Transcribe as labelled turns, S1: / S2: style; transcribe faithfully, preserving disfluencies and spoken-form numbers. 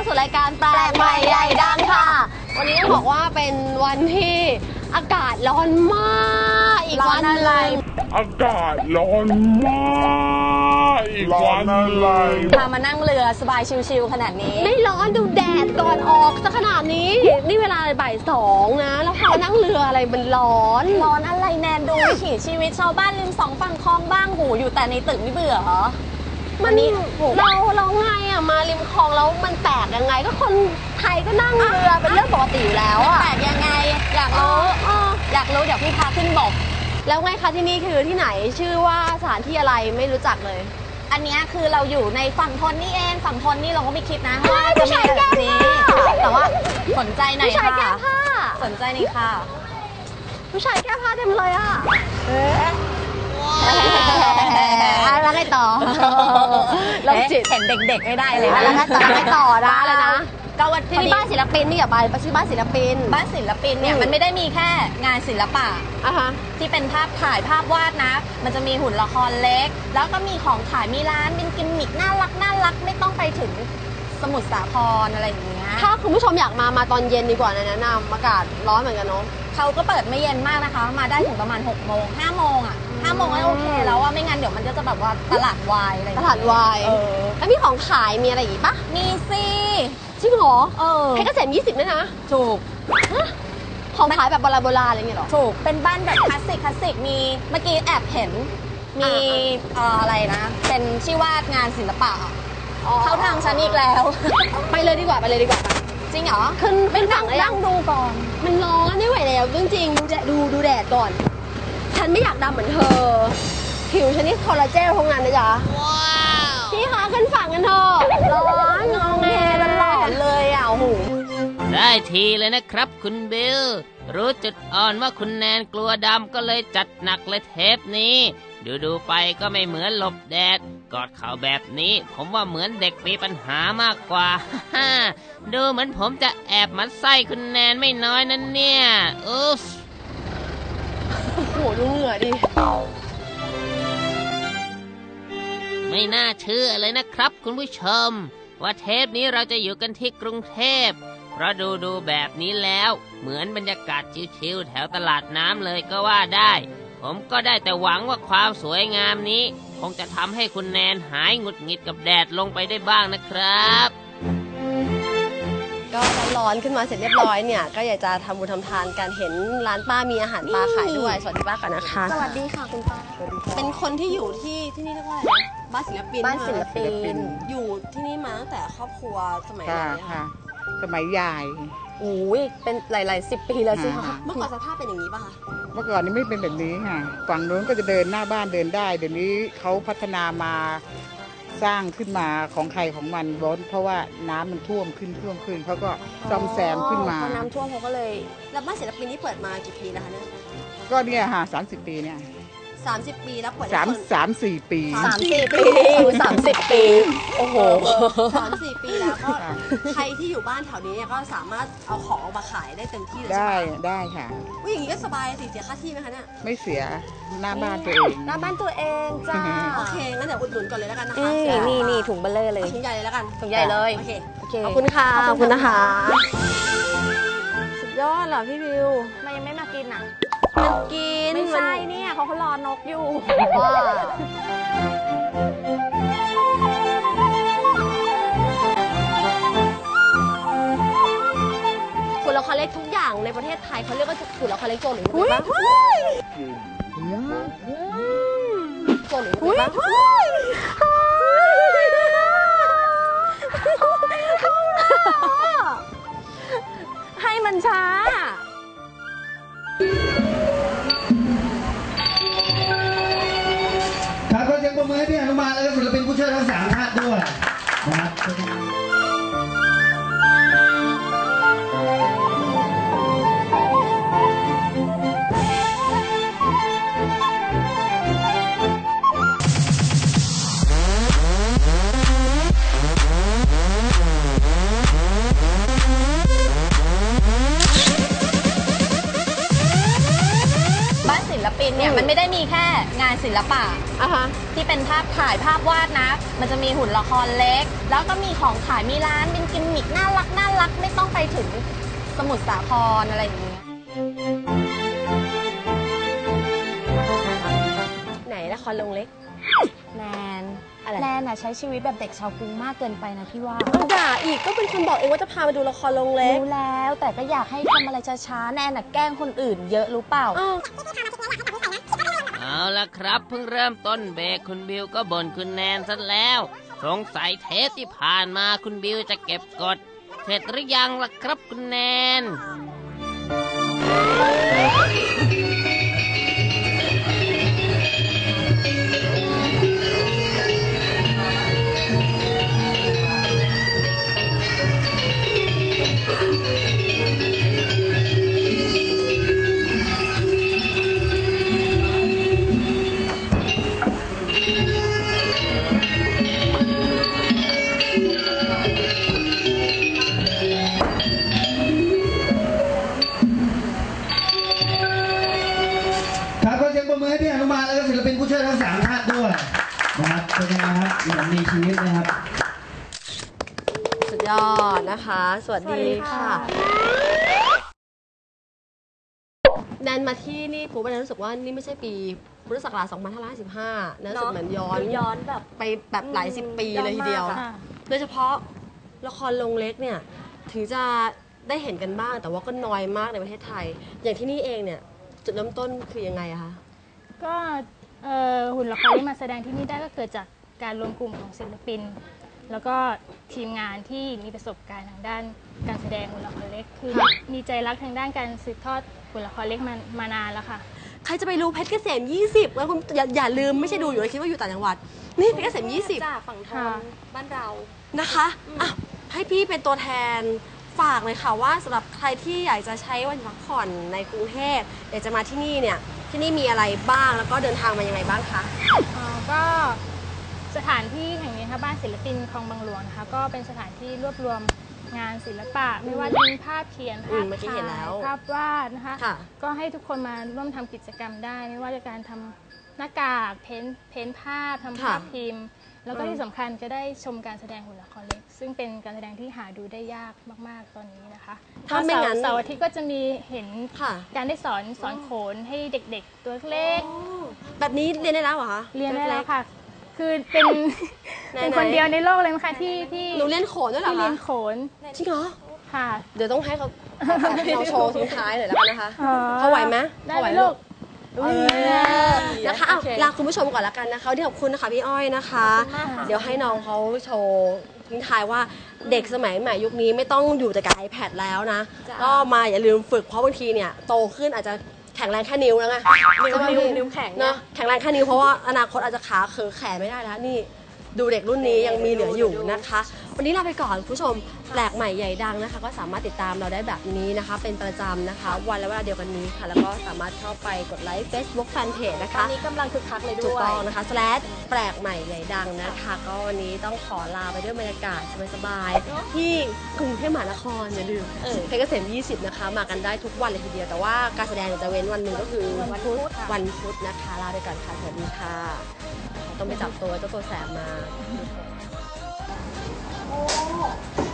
S1: สู่รายการแปลกใหม่ใหญ่ดังค่ะวันนี้ต้องบอกว่าเป็นวันที่อากาศร้อนมากอีกวันอะไร
S2: อากาศร้อนมากอีกวันอะไร
S3: พามานั่งเรือสบายชิลๆขนาดนี้
S1: ไม่ร้อนดูแดดก่อนออกซะขนาดนี้นี่เวลาบ่ายสองนะแล้วพานั่งเรืออะไรมันร้อน
S3: ร้อนอะไรแนนดูวิถีชีวิตชาวบ้านริมสองฝั่งคลองบ้างหูอยู่แต่ในตึกไม่เบื่อเหรอ
S1: มันนี่เราเราไงอ่ะมาริมคลองแล้วมันแปลกยังไงก็คนไทยก็นั่งเรือเป็นเรื่องปกติอยู่แล้วอ่ะ
S3: แปลกยังไงอยากรู้อยากรู้เดี๋ยวพี่พาขึ้นบก
S1: แล้วไงคะที่นี่คือที่ไหนชื่อว่าสถานที่อะไรไม่รู้จักเลย
S3: อันนี้คือเราอยู่ในฝั่งทนนี่เองฝั่งทนนี่เราก็ไม่คิดนะว่าจะมีแบบนี้แต่ว่าสนใจหน่อยค่ะ
S1: ผู้ชายแก้ผ้า
S3: สนใจนี่ค่ะ
S1: ผู้ชายแก้ผ้าเต็มเลยอ่ะแล้วไงต่อ
S3: เราจิตเห็นเด็กๆไม่ได้เลยนะ
S1: แล้วไงต่อไงต่อนะอะไรนะ
S3: ก็วัน
S1: ที่นี่บ้านศิลปินนี่อย่าไปชื่อบ้านศิลปิน
S3: บ้านศิลปินเนี่ยมันไม่ได้มีแค่งานศิลปะที่เป็นภาพถ่ายภาพวาดนะมันจะมีหุ่นละครเล็กแล้วก็มีของขายมีร้านเป็นกิมมิคน่ารักน่ารักไม่ต้องไปถึงสมุทรสาครอะไรอย่างเงี้ย
S1: ถ้าคุณผู้ชมอยากมามาตอนเย็นดีกว่านะแนะนำอากาศร้อนเหมือนกันเนาะ
S3: เขาก็เปิดไม่เย็นมากนะคะมาได้ถึงประมาณหกโมงห้าโมงอ่ะห้าโมงก็โอเคแล้วว่าไม่งั้นเดี๋ยวมันก็จะแบบว่าตลาดวายอะไร
S1: ตลาดวายแล้วมีของขายมีอะไรอีกปะ
S3: มีสิ
S1: จริงเหรอเออให้เกษตรยี่สิบด้วยนะ
S3: ถูก
S1: ของขายแบบโบราณโบราณอะไรเงี้ยหรอ
S3: ถูกเป็นบ้านแบบคลาสสิกคลาสสิกมีเมื่อกี้แอบเห็นมีอะไรนะเป็นชื่อว่างานศิลปะเข้าทางฉันอีกแล้ว
S1: ไปเลยดีกว่าไปเลยดีกว่า
S3: จริงเหรอ
S1: ขึ้นเป็นฝั่ง
S3: นั่งดูก่อน
S1: มันร้อนไม่ไหวแล้วจริงๆดูแดดดูดูแดดก่อนฉันไม่อยากดำเหมือนเธอผิวฉันนี่คอลลาเจนทำงานนะจ๊ะพี่คะขึ้นฝั่งกันเถอะร้อนงองแงตลอดเลยอ่ะโอ้โห
S4: ได้ทีเลยนะครับคุณบิลรู้จุดอ่อนว่าคุณแนนกลัวดำก็เลยจัดหนักเลยเทปนี้ดูดูไปก็ไม่เหมือนหลบแดดกอดเข่าแบบนี้ผมว่าเหมือนเด็กมีปัญหามากกว่าฮ่าดูเหมือนผมจะแอบมัดไส้คุณแนนไม่น้อยนั่นเนี่ยอุ๊ฟ
S1: โอ้โหดูเหงื่อดิ
S4: ไม่น่าเชื่อเลยนะครับคุณผู้ชมว่าเทปนี้เราจะอยู่กันที่กรุงเทพเพราะดูดูแบบนี้แล้วเหมือนบรรยากาศชิลๆแถวตลาดน้ำเลยก็ว่าได้ผมก็ได้แต่หวังว่าความสวยงามนี้คงจะทำให้คุณแนนหายหงุดหงิดกับแดดลงไปได้บ้างนะครับ
S1: ก็ร้อนขึ้นมาเสร็จเรียบร้อยเนี่ยก็อยากจะทำบุญทำทานกันเห็นร้านป้ามีอาหารปลาขายด้วยสวัสดีป้าก่อนนะคะ
S3: สวัสดีค่ะคุณป้า
S1: เป็นคนที่อยู่ที่ที่นี่เรียกว่าอะไรบ้านศิลปิน
S3: บ้านศิลปิน
S1: อยู่ที่นี่มาตั้งแต่ครอบครัวสมัยไหน
S5: ค่ะสมัยยาย
S3: โอ้ยเป็นหลายๆสิบปีแล้วสิคะ
S1: เมื่อก่อนสภาพเป็นอย่างนี้ป่ะคะ
S5: เมื่อก่อนนี้ไม่เป็นแบบนี้ค่ะฝั่งโน้นก็จะเดินหน้าบ้านเดินได้เดี๋ยวนี้เขาพัฒนามาสร้างขึ้นมาของใครของมันร้อนเพราะว่าน้ำมันท่วมขึ้นท่วมขึ้นเขาก็ซ่อมแซมขึ้นมา
S3: พอน้ำท่วมเขาก็เลย
S1: แล้วบ้านศิลปินนี่เปิดมากี่ปีแล้วคะเนี่ย
S5: ก็เนี่ยค่ะสามสิบปีเนี่ย
S1: สามสิบปีแล้วเปิด
S5: สามสามสี่ปี
S3: สามสี่ปีสามสิบปีโอ้โห
S1: สามสี่ปีแล้วก็ใครที่อยู่บ้านแถวนี้ก็สามารถเอาของมาขายได้เต็มที่เลย
S5: ได้ได้ค่ะ
S1: วิ่งอย่างนี้ก็สบายสิเสียค่าที่ไหมคะเนี่ย
S5: ไม่เสียหน้าบ้านตัวเอง
S3: หน้าบ้านตัวเองจ้า
S1: โอเคงั้นเดี๋ยวอุดหนุนก่อนเลยแล้วกันนะคะ
S3: นี่นี่ถุงเบลเลอร์เลย
S1: ถุงใหญ่เลยแล้วกัน
S3: ถุงใหญ่เลย
S1: โอเคขอบคุณค่ะขอบคุณนะคะสุดยอดเหรอพี่วิว
S3: มันยังไม่มากินอ่ะ
S1: มันกิน
S3: ไม่ใช่เนี่ยเขาเขารอนกอยู่
S1: ว่าฝุ่นละครเล็กทุกอย่างในประเทศไทยเขาเรียกว่าฝุ่นละครเล็กโจรหรือไม่บ้างโจรหรือไม่บ้าง
S3: ให้มันช้า
S6: ครับก็ยังประเมินให้พี่อนุมาแล้วก็ศิลปินผู้ช่วยทั้งสามท่านด้วยนะครับ
S3: ศิลปินเนี่ยมันไม่ได้มีแค่งานศิลปะที่เป็นภาพถ่ายภาพวาดนะมันจะมีหุ่นละครเล็กแล้วก็มีของขายมีร้านเป็นกิมมิคน่าไปถึงสมุทรสาครอะไรอย่างเงี้ย
S1: ไหนละครลงเล็ก
S3: แนน
S1: อะไร
S3: แนนน่ะใช้ชีวิตแบบเด็กชาวกรุงมากเกินไปนะพี่ว่า
S1: เอาด่าอีกก็เป็นคนบอกเองว่าจะพามาดูละครลงเล็ก
S3: รู้แล้วแต่ก็อยากให้ทำอะไรช้าๆแนนน่ะแกล้งคนอื่นเยอะรู้เปล่า
S1: อ้าว
S4: เอาละครับเพิ่งเริ่มต้นเบรกคุณบิวก็บ่นคุณแนนซะแล้ว สงสัยเทปที่ผ่านมาคุณบิวจะเก็บกด เสร็จหรือยังล่ะครับคุณแนน
S6: ครับขอเสียงปรบมือให้พี่อนุมาแล้วก็ศิลปินผู้ช่วยทั้งสามท่านด้วยนะครับเป็นยังไงครับเหมือนมีชีวิตนะครับ
S1: สุดยอดนะคะ สวัสดีค่ะแนนมาที่นี่ปุ๊บแนนรู้สึกว่านี่ไม่ใช่ปีพุทธศักราชสองพันห้าร้อยห้าสิบห้าแนนรู้สึกเหมือนย้อน
S3: ย้อนแบบ
S1: ไปแบบหลายสิบปีเลยทีเดียว
S3: ค่ะ
S1: โดยเฉพาะละครลงเล็กเนี่ยถึงจะได้เห็นกันบ้างแต่ว่าก็น้อยมากในประเทศไทย อย่างที่นี่เองเนี่ยจุดเริ่มต้นคือยังไงอะคะ
S7: ก็เอ่อหุ่นละครที่มาแสดงที่นี่ได้ก็เกิดจากการรวมกลุ่มของศิลปิน แล้วก็ทีมงานที่มีประสบการณ์ทางด้านการแสดงหุ่นละครเล็ก คือมีใจรักทางด้านการสืบทอดหุ่นละครเล็กมามานานแล้วค่ะ
S1: ใครจะไปรู้เพชรเกษมยี่สิบแล้วคุณอย่าอย่าลืมไม่ใช่ดูอยู่เลยคิดว่าอยู่ต่างจังหวัดนี่เพชรเกษมยี่สิบ
S3: จากฝั่งทนบ้านเรา
S1: นะคะอ่ะให้พี่เป็นตัวแทนฝากเลยค่ะว่าสำหรับใครที่อยากจะใช้วันพักผ่อนในกรุงเทพอยากจะมาที่นี่เนี่ยที่นี่มีอะไรบ้างแล้วก็เดินทางมายังไงบ้างคะ
S7: อ่าก็สถานที่แห่งนี้นะคะบ้านศิลปินคลองบางหลวงนะคะก็เป็นสถานที่รวบรวมงานศิลปะ ไม่ว่าจะเป็นภาพเขียน
S1: อื
S7: ภาม พ
S1: เมื่อกี้
S7: ถ่า
S1: เห็นแล้
S7: ยว ภาพวาดนะคะ
S1: ค่ะ
S7: ก็ให้ทุกคนมาร่วมทำกิจกรรมได้ ไม่ว่าจะการทำหน้ากากเพ้นเพ้นภาพทำภาพพิมพ์ แล้วก็
S1: อืม
S7: ที่สำคัญจะได้ชมการแสดงหุ่นละครเล็ก ซึ่งเป็นการแสดงที่หาดูได้ยากมากๆตอนนี้นะคะ
S1: ถ้าไม่งั้น
S7: เสาร์อาทิตย์ก็จะมีเห็น
S1: ค่ะ
S7: การได้สอนสอนโขนให้เด็กๆ ตัวเล็ก
S1: แบบนี้เรียนได้แล้วเหรอคะ
S7: เรียนได้แล้วค่ะ คือเป็น
S1: ไหนๆ
S7: เป็นคนเดียวในโลกเลยมั้งคะที่ที่
S1: หนูเรียนโขนด้วยเหรอ
S7: ที่เรี
S1: คะ
S7: ยนโขน
S1: จริงเหรอ
S7: ค่ะ
S1: เดี๋ยวต้องให้เขาเราโชว์ทิ้งท้ายหน่อยแล้วกันนะคะ
S7: อ๋อ
S1: เขาไหวไหม
S7: ได้
S1: เขาไหว
S7: ไหม
S1: ลู
S7: ลู
S1: ก
S7: ก
S1: นะคะเอาลาคุณผู้ชมก่อนแล้วกันนะคะวันนี้ขอบคุณนะคะพี่อ้อยนะคะ เดี๋ยวให้น้องเขาโชว์ทิ้งท้ายว่าเด็กสมัยใหม่ยุคนี้ไม่ต้องอยู่แต่กับ iPad แล้วนะ ก็มาอย่าลืมฝึกเพราะบางทีเนี่ยโตขึ้นอาจจะแข็งแรงแค่นิ้วแล้วไง
S3: นิ้ว
S1: ใช่ไหม
S3: นิ้ว
S1: พี่
S3: นิ้วแข็ง
S1: เนาะแข็งแรงแค่นิ้วเพราะว่าอนาคตอาจจะขาเขอแขนไม่ได้แล้วนี่ดูเด็กรุ่นนี้ยังมีเหลืออยู่นะคะ วันนี้ลาไปก่อนคุณผู้ชมแปลกใหม่ใหญ่ดังนะคะ ก็สามารถติดตามเราได้แบบนี้นะคะ เป็นประจำนะคะ วันและเวลาเดียวกันนี้ค่ะ แล้วก็สามารถเข้าไปกดไลค์ Facebook Fanpage นะ
S3: ตอ
S1: คะ
S3: นนี้กำลังคึกคักเลย
S1: ถูก
S3: ด้วย
S1: ต้องนะคะ slash แปลกใหม่ใหญ่ดังนะคะ ก็วันนี้ต้องขอลาไปด้วยบรรยากาศสบายๆที่กรุงเทพมหานครอย่าลืมเออเพชรเกษมยี่สิบนะคะ มากันได้ทุกวันเลยทีเดียว แต่ว่าการแสดงจะเว้นวันหนึ่งก็คือ
S7: วันพุธค่ะ
S1: วันพุธนะคะลาไปก่อนค่ะสวัสดีค่ะต้องไปจับตัวเจ้าตัวแสบมา